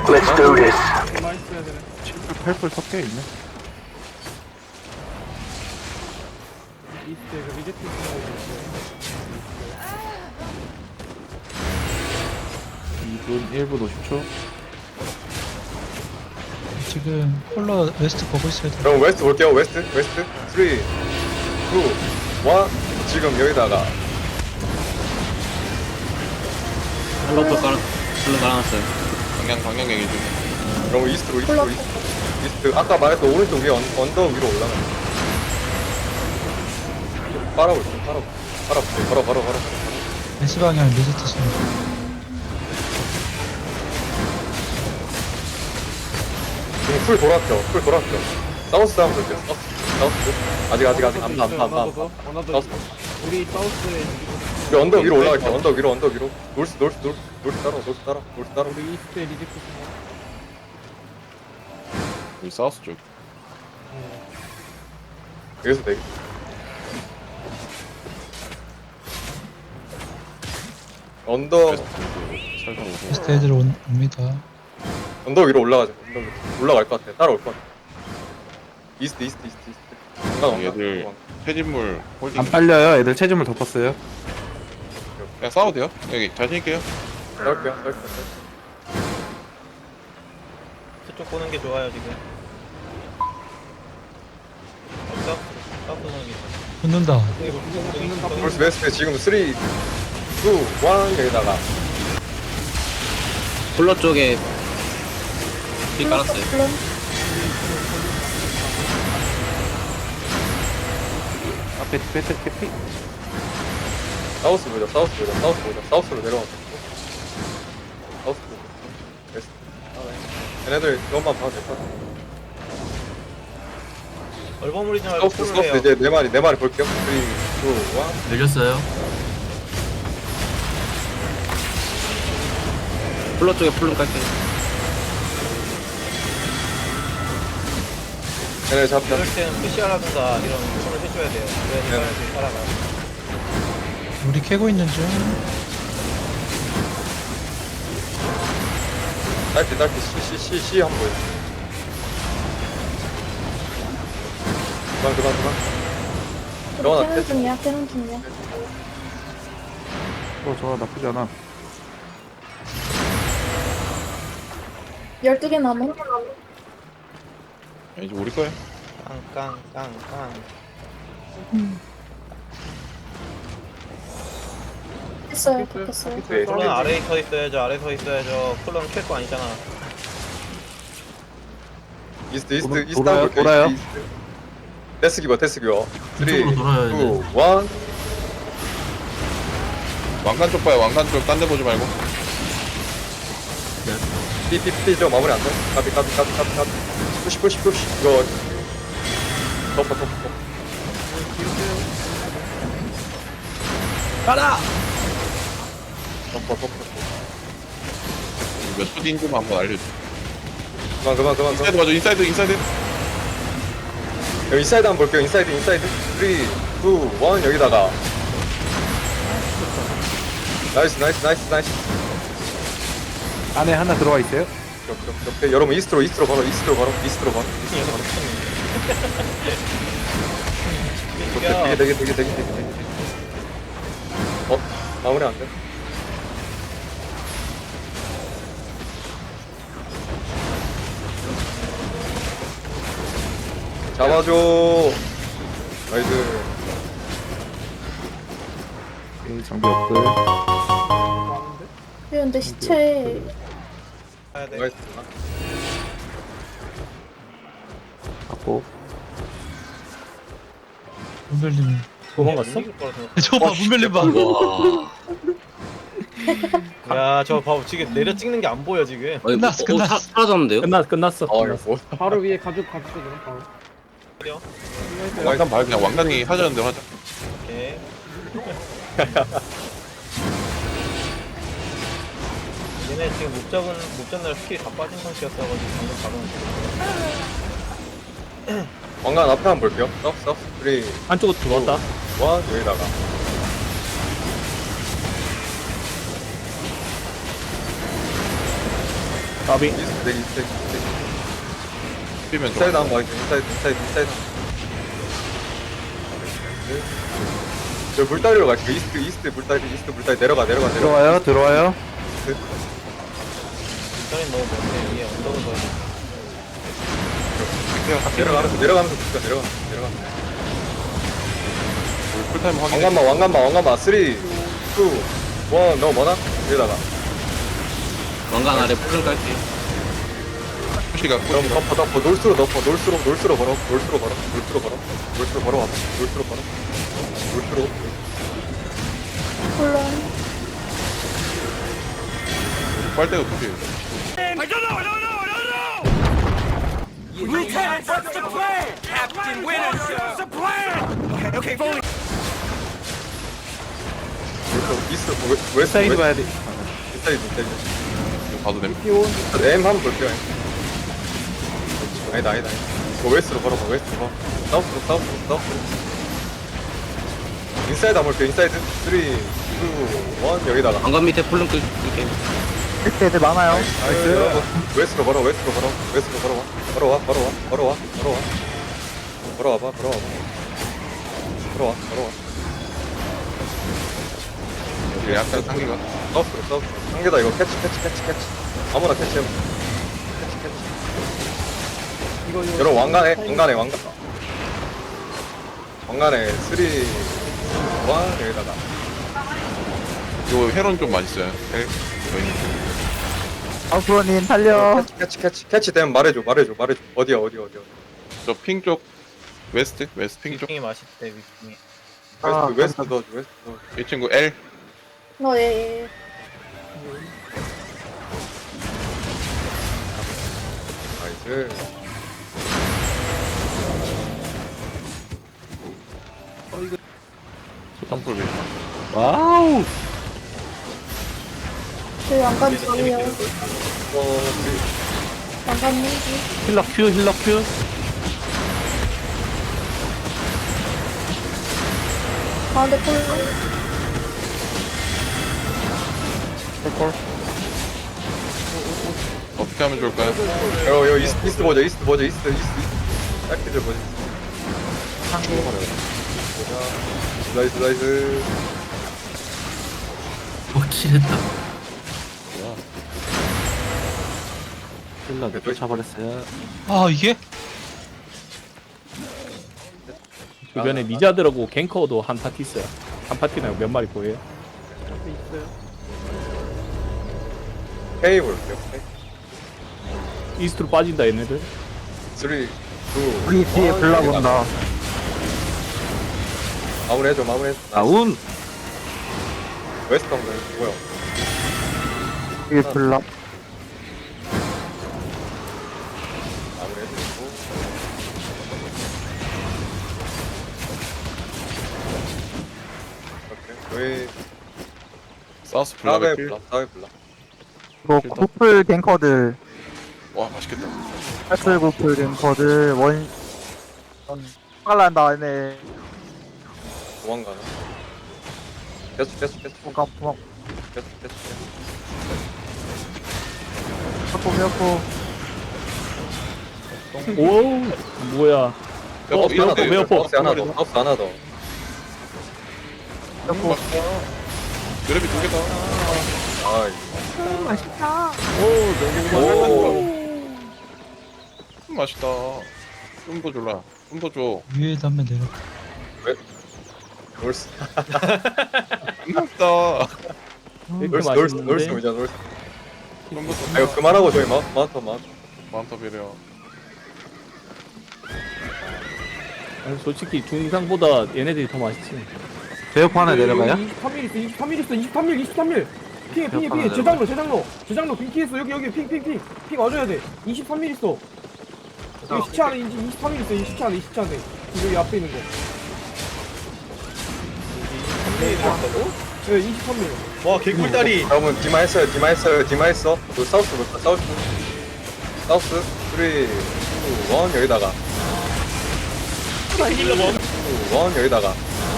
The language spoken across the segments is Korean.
Let's do this. 얼마 있어야 되네. 7불 8불 섞여 있네. 이스트에 그 리제트 있어야 돼. 2분 1분 50초. 지금 콜러 웨스트 보고 있어야 돼. 그럼 웨스트 볼게요. 웨스트 3 2 1 지금 여기다가 헬로도 깔아놨어요. 방향 얘기 좀. 그럼 이스트로 이스트 아까 말했던 오른쪽 위에 언덕 위로 올라가. 빨아볼게. 바로. S 방향 리제트 쏘. 지금 풀 돌았죠. 사우스 한번 볼게요. 사우스. 아직 안. 원하더 우리 사우스에 우리 언덕 위로 올라갈게요. 언덕 위로. 노스 따라. 우리 이스트에 리제트 여기 사우스 쪽. 여기서 되게. 언덕 살짝 오세요. 웨스트 애들 옵니다. 언덕 위로 올라가자. 언덕 위로 올라갈 것 같아. 따라올 것 같아. 이스트. 얘들 폐진물 홀딩. 안 빨려요. 애들 체중을 덮었어요. 그냥 싸워도 돼요? 여기 자신 있게요. 싸울게요. 저쪽 보는 게 좋아요 지금. 싸우는 게. 붙는다. 벌써 웨스트 지금 3 2 1 여기다가 콜러 쪽에 피 깔았어요. 앞에 배트 캐피. 사우스 보자. 사우스로 내려와. 사우스 웨스트. 얘네들 이것만 봐도 될 것 같아. 얼버무리지 말고 사우스 콜을 해요. 이제 내 말이 볼게요. 3 2 1 밀렸어요. 콜러 쪽에 풀름 깔게요. 얘네 잡자. 이럴 때는 푸시하라든가 이런 콜을 해줘야 돼요. 그래야 사람들이 따라가. 우리 캐고 있는 중. 딸피 C 한번 보여. 그만. 캐논 중이야. 캐논 중이야. 저 나쁘지 않아. 12개 남은. 이제 우리 거예요. 깡. 했어요. 됐어요. 네. 콜은 아래에 서 있어야죠. 콜은 캘 거 아니잖아. 이스트 돌아요, 볼게요. 돌아요. 이스트. 데스 기버 3 2 1 왕관 쪽 봐요. 왕관 쪽 딴 데 보지 말고. 삐 저 마무리 안 돼? 가비 푸시 이거 덮어 가라! 덮어 몇초 뒤인지만 한번 알려줘. 그만 인사이드 맞아. 인사이드. 여기 인사이드 한번 볼게요. 인사이드 3 2 1 여기다가 나이스 안에 하나 들어와 있어요. 오케이. 여러분 이스트로 바로 되게 마무리 안 돼? 잡아줘. 나이스. 장비 없고. 많은데? 근데 시체 가야 돼. 나이스. 갖고. 문별님. 도망갔어? 저 봐, 문별님 봐. 야, 저 봐봐. 지금 내려 찍는 게 안 보여 지금. 끝났어. 사라졌는데요? 끝났어. 이거 뭐? 바로 위에 가죽 그럼 바로. 왕관 봐요. 그냥 왕관이 하자는 대로 하자. 오케이. 얘네 지금 못 잡는 스킬이 다 빠진 상태였어가지고 방금 잡은. 왕관 앞에 한번 볼게요. 썩 3 안쪽으로 들어왔다. 1 여기다가 까비. 이스트 내 이스트 뛰면 인사이드 좋아. 한번 봐 인사이드 저 물다리로 갈게 이스트 물다리 내려가 들어와요. 일단은 너무 먼데 위에 언덕을 더 내려가면서 붙여 내려가면서 풀타임 확인. 왕관마 3 2 1 너무 많아? 여기다가 왕관 아래 풀은 깔게. 푸시가 그럼 덮어 놀수로 걸어 물론 빨대가 푸시. 이스트 웨스트 사이드 봐야 돼. 인사이드 이거 봐도 됩니다. M 한번 볼게요 아니다 이거 웨스트로 걸어봐 사우스로 인사이드 한번 볼게요 인사이드 3 2 1 여기다가 왕관 밑에 풀은 끌게. 애들 많아요. 나이스 웨스트로 걸어와 여기 약간 상기가. 사우스로 상계다 이거 캐치 아무나 캐치해 캐치 여러분 왕관에 3 2 1 여기다가 이거 회론 좀 맛있어요. 네. 아프로님 살려. 캐치 되면 말해줘 어디야 저핑 쪽. 웨스트 핑 쪽. 위킹이 맛있대 위킹이. 웨스트 넣어줘 이 친구 L. 너의 나이스 소탕풀 와우. 그 왕관 저기요. 왕관 무기. 힐러 큐. 가운데 폴로. 어떻게 하면 좋을까요? 여 이스트 보자 짧게 좀 보자 나이스 확실했다. 힐러 쫓아버렸어요. 아 이게? 주변에 리자드라고 갱커도 한 파티 있어요. 한 파티나 몇 마리 보여요? K 볼게요 이스트로 빠진다 얘네들. 3 2 1 우리 뒤에 불나본다. 마무리해줘 다운. 웨스트 한번 뭐야 뒤에 불나. 마무리해주고 오케이 사우스 사회 블락을 불러 이거 구플 갱커들 와 맛있겠다. 팔슬 구플 갱커들 깔란 다음에 도망가나 계속 뭔가 막 계속 펴고 오 뭐야? 이런데 웨어포. 하나 더 펴고 그래비 2개다. 아이 맛있다. 오 맛있다. 좀 더 줄라. 좀 더 줘. 위에다 한번 내려. 놀스 맛있다. 이렇게 맛있는데. 놀스 좀더 아 이거 그만하고 저희 마운터 마운터 배려. 아니, 솔직히 중상보다 얘네들이 더 맛있지. 제어포 하나 내려가요? 23mm 있어. 핑 재장로 핑키했어. 여기 핑 와줘야 돼. 23mm 있어. 여기 시체 안에 23mm 있어. 이 시체 안에 여기 앞에 있는 거. 23mm 있다고? 네 23mm. 와 개꿀다리. 여러분 디마 했어 그 사우스 3 2 1 여기다가 힐러 멈. 1 여기다가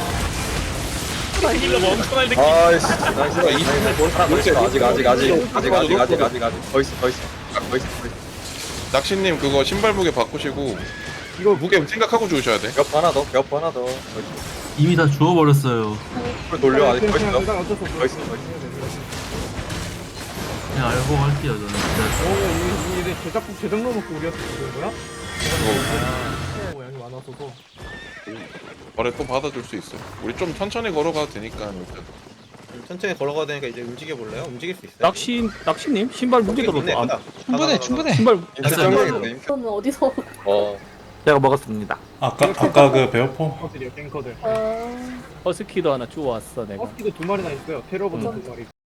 힐러 멈춰날 느낌. 아이씨 나이스 아직 더 있어 나이스. 낚시님 그거 신발 무게 바꾸시고 이거 무게 생각하고 주셔야 돼. 몇 하나 더, 몇 하나 더. 나이스. 이미 다 주워버렸어요. 풀 돌려, 아직 더 그냥 있어. 대장 어쩔 수 없어. 나이스. 그냥 알고 할게요 저는. 진짜. 이게 제작국 제작로 먹고 우리가 그런 거야? 양이 많았어서. 거래 또 받아줄 수 있어. 우리 좀 천천히 걸어가도 되니까 일단. 천천히 걸어가야 되니까 이제 움직여 볼래요? 움직일 수 있어요? 낚시님 신발 무게 좋네. 들었어. 충분해 충분해. 신발 인스 정리했네. 그러면 어디서? 어. 제가 먹었습니다. 아까 그 배어포 갱커들이요 갱커들. 어... 허스키도 2마리나 있어요. 테러버튼 2마리.